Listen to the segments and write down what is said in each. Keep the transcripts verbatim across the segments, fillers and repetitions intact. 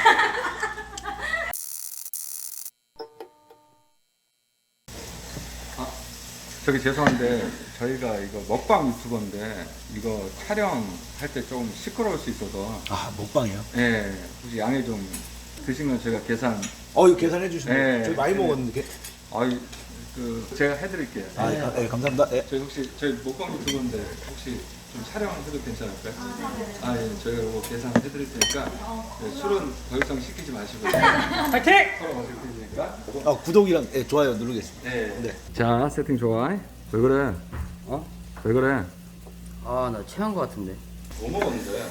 아, 저기 죄송한데 저희가 이거 먹방 유튜버인데 이거 촬영할 때 좀 시끄러울 수 있어서. 아, 먹방이요? 예, 혹시 양해 좀 드시면 저희가 계산. 어, 이거 계산해 주시면 네. 저희 많이 네. 먹었는데. 아이, 그 제가 해드릴게요. 아, 네. 아, 네, 감사합니다. 예. 저희 혹시 저희 먹방 유튜버인데 혹시 좀 촬영해도 괜찮을까요? 아, 예, 저희가 이거 계산해드릴 테니까 예, 술은 더 이상 시키지 마시고 파이팅! 서로 마실 테니까. 아, 구독이랑 예, 좋아요 누르겠습니다. 네. 네. 자, 세팅 좋아. 왜 그래? 어? 왜 그래? 아, 나 체한 거 같은데. 뭐 먹었는데?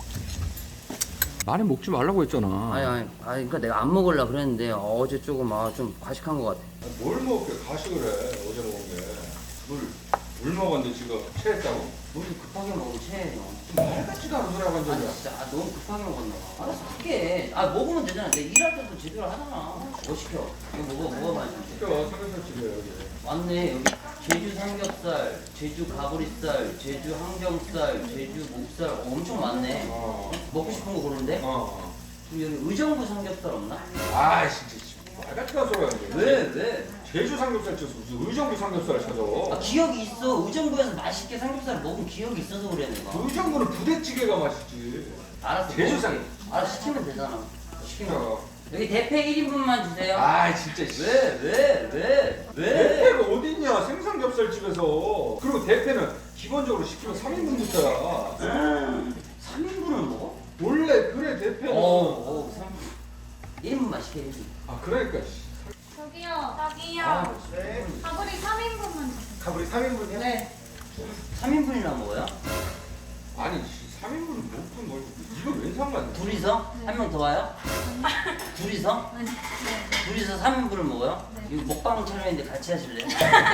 많이 먹지 말라고 했잖아. 아니, 아니, 아니, 그러니까 내가 안 먹으려 그랬는데 어제 조금 아, 좀 과식한 거 같아. 뭘 먹게 가식을 해? 어제 먹은 게. 물, 물 먹었는데 지금 체했다고? 너무 급하게 먹으면 체해, 형. 말 같지도 않은 소리 하고 아니, 앉아. 진짜 아, 너무 급하게 먹었나 봐. 알았어, 할게. 아, 먹으면 되잖아. 내가 일할 때도 제대로 하잖아. 뭐 시켜? 이거 먹어, 먹어봐야지. 시켜, 삼겹살 집에 여기. 맞네. 여기 제주 삼겹살, 제주 가브리살, 제주 항정살, 제주 목살 어, 엄청 많네. 어. 먹고 싶은 거 고르는데? 어. 그럼 여기 의정부 삼겹살 없나? 아, 진짜. 말 같지도 않은 소리 하는데. 왜? 왜? 제주 삼겹살 쳐서 무슨 의정부 삼겹살을 아, 찾아. 기억이 있어. 의정부에서 맛있게 삼겹살 먹은 기억이 있어서 그래 내가. 의정부는 부대찌개가 맛있지. 알았어. 제주 먹을게. 삼- 알았어, 시키면 되잖아. 시키면. 시켜. 여기 대패 일 인분만 주세요. 아, 진짜. 왜? 왜? 왜? 왜? 대패가 어딨냐, 생삼겹살 집에서. 그리고 대패는 기본적으로 시키면 삼 인분부터야. 삼 인분을 먹어? 원래 그래, 대패는. 어, 어, 삼 인분. 일 인분만 시켜, 일 인분. 아, 그러니까. 씨. 저기요, 저기요. 아, 네. 가브리 삼 인분만 주세요. 가브리 삼 인분이야? 네. 삼 인분이나 먹어요? 아니, 삼 인분은 먹든 뭘. 이거 웬 상관이야? 둘이서? 한 명 더 와요? 둘이서? 네. 네. 둘이서 삼 인분을 먹어요? 네. 이거 먹방 촬영인데 같이 하실래요?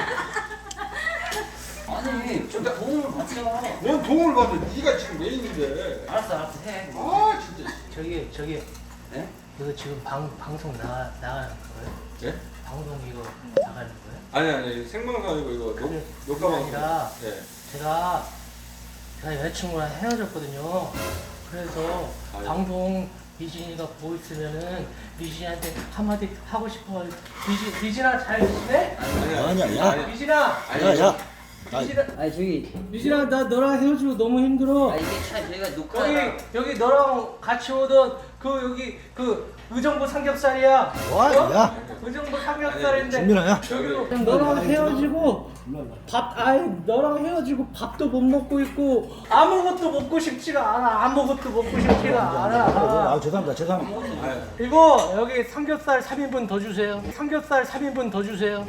아니, 좀 도움을 받자. 뭔 도움을 받아? 네가 지금 메인인데. 알았어, 알았어, 해. 아, 진짜. 저기 저기 네? 이거 지금 방 방송 나 나가는 거예요? 예? 방송 이거 나가는 거예요? 아니, 아니, 생방송 아니고 이거 녹, 녹화방송. 아니라 예. 제가 제가 여자친구랑 헤어졌거든요. 그래서 아유. 방송 미진이가 보고 있으면은 미진이한테 한마디 하고 싶어. 미진 미진아 잘 지내? 아니야, 야. 미진아 야, 야. 아, 미진아 아니, 저기. 미진아 나 너랑 헤어지고 너무 힘들어. 아, 이게 차 저희가 여기 녹화가. 여기 너랑 같이 오던 그 여기 그 의정부 삼겹살이야. 와, 야. 의정부 삼겹살인데 준민아, 야. 여기로 너랑 헤어지고 밥 아이 너랑 헤어지고 밥도 못 먹고 있고 아무것도 먹고 싶지가 않아. 아무것도 먹고 싶지가 아, 않아. 죄송합니다. 죄송합니다. 이거 여기 삼겹살 삼 인분 더 주세요. 삼겹살 삼 인분 더 주세요.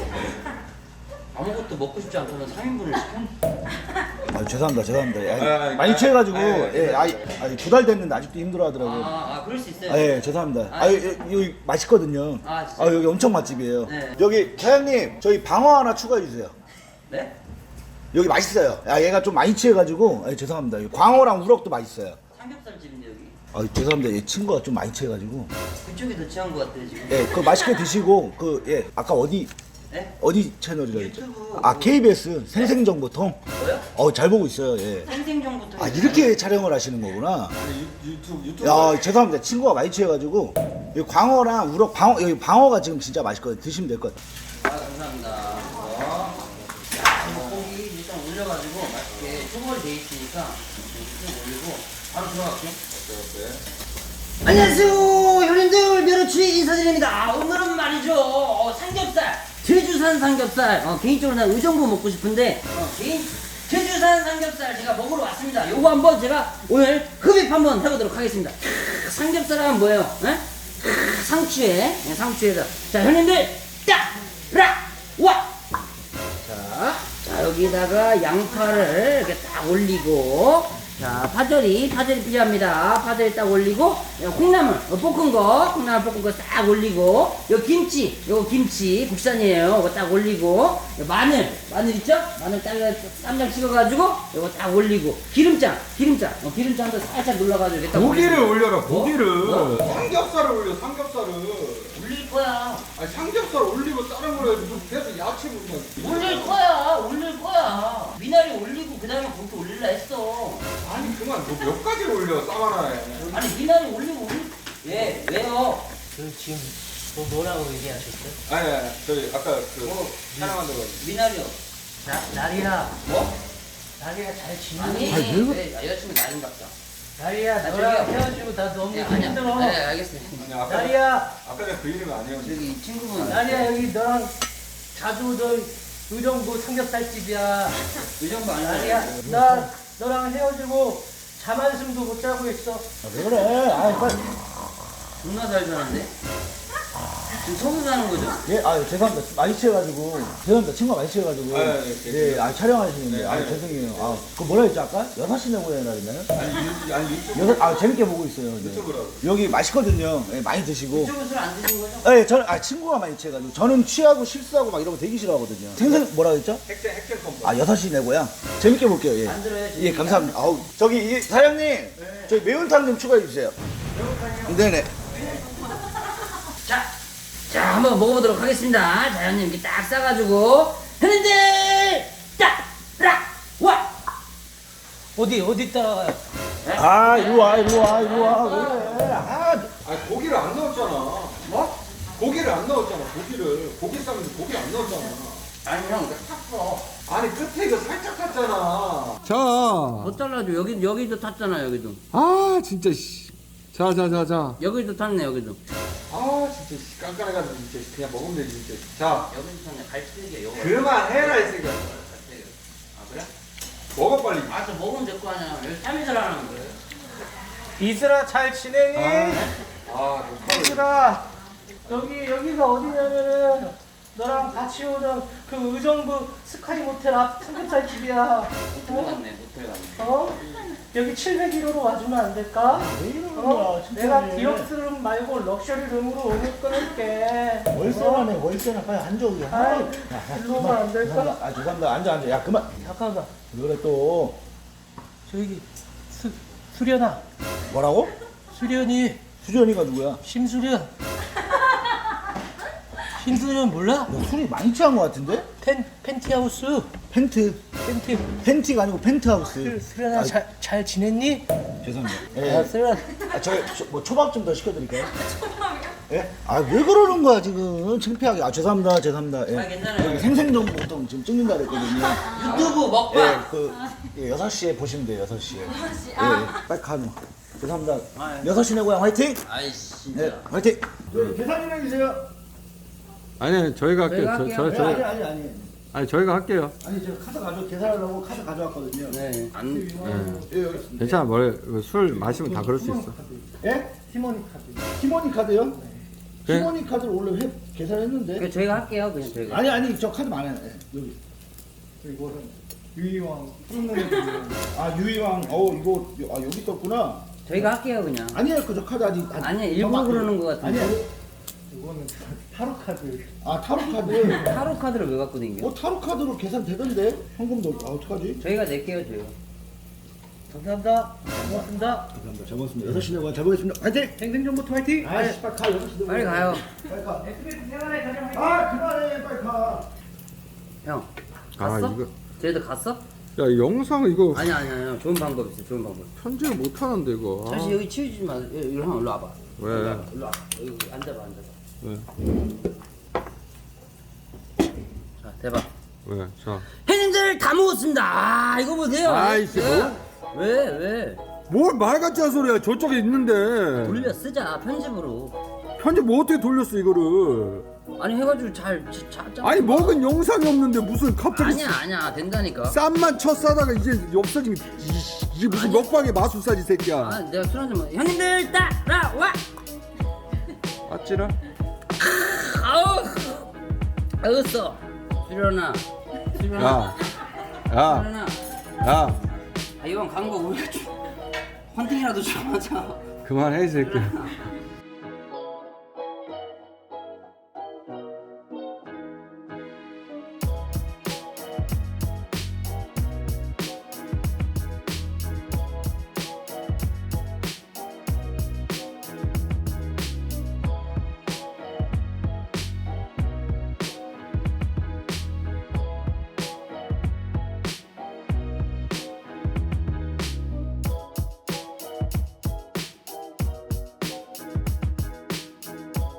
아무것도 먹고 싶지 않다면 삼 인분을 시켜? 아, 죄송합니다. 죄송합니다. 야, 아, 아, 많이 아, 취해가지고 아, 아, 예, 아이, 아이 두달 됐는데 아직도 힘들어하더라고요. 아, 아, 그럴 수 있어요. 아, 예, 죄송합니다. 아, 아, 여기, 여기 맛있거든요. 아, 진짜? 아, 여기 엄청 맛집이에요. 네. 여기 사장님, 저희 방어 하나 추가해 주세요. 네? 여기 맛있어요. 아, 얘가 좀 많이 취해가지고, 아, 죄송합니다. 여기 광어랑 우럭도 맛있어요. 삼겹살집인데 여기. 아, 죄송합니다. 얘 친구가 좀 많이 취해가지고. 그쪽이 더 취한 것 같아요 지금. 예, 그거 맛있게 드시고, 그, 예, 아까 어디, 네? 어디 채널이라 했죠? 유튜브. 아, 케이비에스 생생정보통? 뭐요? 어, 잘 보고 있어요, 예. 생생정보통. 아, 이렇게 촬영을 하시는 거구나. 아니, 유, 유튜브, 유튜브. 야, 죄송합니다. 친구가 많이 취해가지고, 여기 광어랑 우럭, 방어, 여기 방어가 지금 진짜 맛있거든요. 드시면 될 것 같아요. 아, 감사합니다. 어. 야, 이거 고기 일단 올려가지고 맛있게 초벌이 돼 있으니까 쭉 올리고 바로 들어갈게요. 어때, 어때? 안녕하세요, 형님들. 멸치 인사드립니다. 오늘은 말이죠, 어, 삼겹살, 제주산 삼겹살. 어, 개인적으로 난 의정부 먹고 싶은데 어, 개인 제주산 삼겹살 제가 먹으러 왔습니다. 요거 한번 제가 오늘 흡입 한번 해보도록 하겠습니다. 크, 삼겹살은 뭐예요? 에? 크, 상추에 예, 상추에다. 자, 형님들 따라 와. 자, 자 여기다가 양파를 이렇게 딱 올리고. 자, 파절이, 파절이 필요합니다. 파절이 딱 올리고, 요 콩나물, 어, 볶은 거, 콩나물 볶은 거 딱 올리고, 요 김치, 요 김치, 국산이에요. 이거 딱 올리고, 요 마늘, 마늘 있죠? 마늘 딱, 쌈장 찍어가지고, 요거 딱 올리고, 기름장, 기름장, 어, 기름장도 살짝 눌러가지고, 이렇게 딱 고기를 올리고. 올려라, 고기를. 뭐? 삼겹살을 올려, 삼겹살을. 올릴 거야. 아니, 삼겹살 올리고 다른 걸 해도 좀 계속 야채 먹으면. 올릴 거야, 올릴 거야. 미나리 올리고, 그 다음에 고기 올릴라 했어. 아니, 그만, 너 몇 가지를 올려, 쌈 하나에. 아니, 미나리 올리고, 올리, 예, 왜요? 그 지금 뭐 뭐라고 얘기하셨어요? 아니, 아니, 저희 아까 그 뭐, 촬영한다고. 미나리요. 나 나리야, 뭐? 나리야 잘 지내? 아니, 아니, 왜 그래? 네, 여자친구 나린갑다. 나리야 아, 너랑 저기요. 헤어지고 나 너무 예, 아니야. 힘들어. 네, 알겠습니다. 아니, 아까 나리야, 아까 내가 그 이름이 아니에요. 저기 이 친구분. 나리야 여기 너랑 자주 오던 의정부 삼겹살집이야. 의정부 아니야? 나리야, 나 너랑 헤어지고 잠 한숨도 못 자고 있어. 아, 왜 그래? 아, 빨리. 존나 잘 사는데? 지금 서울 사는 거죠? 예, 아, 죄송합니다. 많이 취해가지고. 죄송합니다. 친구가 많이 취해가지고. 아, 예, 예, 예, 아, 촬영하시는데. 네, 아, 네. 죄송해요. 아, 그 뭐라 했지, 아까? 여섯 시 내고 해야 되나요? 아니, 유, 아니 유튜브 여섯, 아, 재밌게 보고 있어요. 네. 유튜브라고. 여기 맛있거든요. 예, 많이 드시고. 이쪽은 술 안 드신 거죠? 예, 저는, 아, 친구가 많이 취해가지고. 저는 취하고 실수하고 막 이런 거 되게 싫어하거든요. 생선, 뭐라 했죠? 핵쟁 핵쟁 컴퍼. 아, 여섯 시 내고요. 재밌게 볼게요, 예. 안 들어요, 예, 감사합니다. 아우, 저기, 이, 사장님. 저희 매운탕 좀 추가해주세요. 매운탕이요? 네네. 자, 자, 한번 먹어보도록 하겠습니다. 자연님 이렇게 딱 싸가지고. 형님들! 딱! 락! 와! 어디 어디 따라가요? 아, 이리 와, 이리 와, 이리 와. 왜 그래? 아, 아니 고기를 안 넣었잖아. 뭐? 고기를 안 넣었잖아. 고기를 고기 싸면 고기 안 넣었잖아. 아니, 형, 이거 탔어. 아니 끝에 이거 살짝 탔잖아. 자, 더 잘라줘. 여기, 여기도 탔잖아, 여기도. 아 진짜 씨. 자, 자, 자, 자. 여기도 탔네, 여기도. 아 진짜 씨, 깐깐해가지고 진짜 그냥 먹으면 되지 진짜. 자, 여기도 탔네. 갈치대기야, 여기. 그만해라 이 새끼야. 아, 그래? 먹어 빨리. 아, 저 먹으면 될 거 아니야. 여기 삼 일을 하는 거예요. 이슬아 잘 지내니? 아, 녹화를. 이슬아 여기 여기가 어디냐면은 너랑 같이 오던 그 의정부 스카이 모텔 앞 삼겹살 집이야. 모텔 갔네, 모텔 갔네. 어? 여기 칠백일 호로 와주면 안 될까? 왜 이러는 어? 거야, 진짜. 내가 디럭스 룸 말고 럭셔리 룸으로 오늘 끊을게. 월세라네, 월세나. 빨리 앉아, 우리. 아이, 야, 야, 일로 오면 그만. 안 될까? 죄송합니다. 아, 죄송합니다. 앉아, 앉아. 야, 그만. 잠깐만. 왜 그래, 또. 저기 수 수련아. 뭐라고? 수련이 수련이가 누구야? 심수련. 심수련 몰라? 너 술이 많이 취한 것 같은데? 펜 펜티하우스. 펜트. 펜티. 펜티가 아니고 펜트하우스. 수- 수련아 아, 잘 잘 지냈니? 죄송합니다. 야 예. 수련. 아, 저, 저, 뭐 초밥 좀 더 시켜드릴까요? 예? 아, 왜 그러는 거야, 지금. 창피하게. 아, 죄송합니다. 죄송합니다. 예. 아, 괜찮아요. 여기 생생정보 보통 지금 찍는다 그랬거든요. 유튜브 예, 먹방! 그, 예, 여섯 시에 보시면 돼요, 여섯 시에. 여섯 시. 예, 아. 예. 빨리 가, 너. 죄송합니다. 아, 예. 여섯 시 내 고향 화이팅! 아이씨, 네, 진짜. 화이팅! 저희 계산이나 주세요. 아니 저희가 할게요. 저희가 저, 할게요. 저, 네, 저, 아니, 아니, 아니. 아니 저희가 할게요. 아니, 제가 카드 가져, 계산하려고 카드 가져왔거든요. 네. 안, 예, 여기 있습니다. 괜찮아. 뭐술 마시면 다 그럴 수 있어. 예? 티모니 카드. 티모니 카드요? 네. 티모니 카드를 원래 회, 계산했는데. 그냥 저희가 할게요, 그냥 저희가. 아니, 아니, 저 카드 많아요. 예, 여기. 이거는 유이왕 푸른 아, 유이왕, 어, 이거, 아, 여기 있었구나. 저희가 할게요, 그냥. 아니에요, 그 저 카드 아직. 아직 아니, 일부러 더 그러는 것 같은데. 아니에요. 이거는 타로 카드. 아, 타로 카드. 타로 카드를 왜 갖고 댕겨? 어, 타로 카드로 계산되던데? 현금도, 아, 어떡하지? 저희가 낼게요, 저희가. 감사합니다. 고맙습니다. 감사합니다. 잘 먹었습니다. 여섯 시 내고 잘 보겠습니다. 화이팅! 행정정보트 화이팅. 아이씨, 빨리 가, 여섯 시 내고. 빨리 가요. 빨리 가. 에스비에스 생활의 가장 화이팅. 아, 그만해, 빨리 가. 형, 아, 갔어? 이거- 쟤들 갔어? 야 영상 이거 아니, 아니, 아니, 좋은 방법 있어, 좋은 방법. 편집을 못 하는데 이거. 사실 여기 치우지 마. 여기 일로 형, 일로 와봐. 왜? 일로 와봐, 일로 와봐. 여기 앉아봐, 앉아봐. 왜? 자, 대박. 왜? 자. 형님들 다 먹었습니다. 아, 이거 보세요. 아이씨, 예. 왜, 왜? 뭘 말 같지 않은 소리야. 저쪽에 있는데. 돌려 쓰자, 편집으로. 편집 뭐 어떻게 돌렸어 이거를? 아니, 해가지고 잘, 잘, 잘. 잘- 아니 먹은 영상이 없는데 무슨 갑자기 아니야, 아니야. 된다니까. 쌈만 쳐 싸다가 이제 없어지면 이- 이게 무슨 먹방의 마술사지 새끼야. 아, 내가 술 한잔 먹. 형님들 따라와. 아찔아? 아우, 알겠어. 수련아, 수련아, 야, 야, 수련아. 야, 아, 이번 광고 우리가 좀 헌팅이라도 좀 하자. 그만해 이 새끼야.